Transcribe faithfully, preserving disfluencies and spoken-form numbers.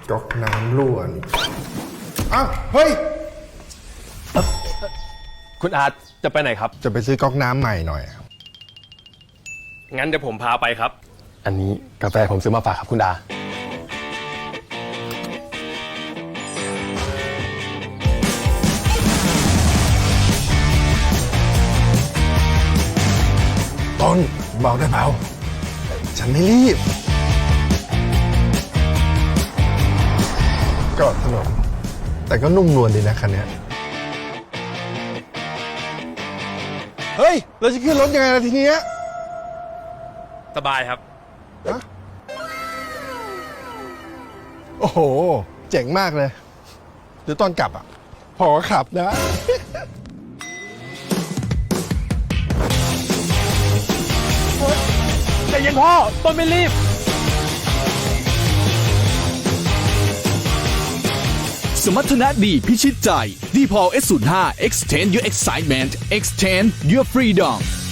ก๊อกน้ำรั่วนี่อ้าวเฮ้ยคุณอาร์ตจะไปไหนครับจะไปซื้อก๊อกน้ำใหม่หน่อยงั้นเดี๋ยวผมพาไปครับอันนี้กาแฟผมซื้อมาฝากครับคุณดาต้นเบาได้เบาฉันไม่รีบก็ถนนแต่ก็นุ่มนวลดีนะคันนี้เฮ้ย เราจะขึ้นรถยังไงล่ะทีเนี้ยสบายครับฮะโอ้โห เจ๋งมากเลยเดี๋ยวตอนกลับอ่ะ พอขับนะแต่ยังพ่อ ต้นไม่รีบสมรรถนะดีพิชิตใจ ดีพอล เอส ศูนย์ ห้า extend your excitement extend your freedom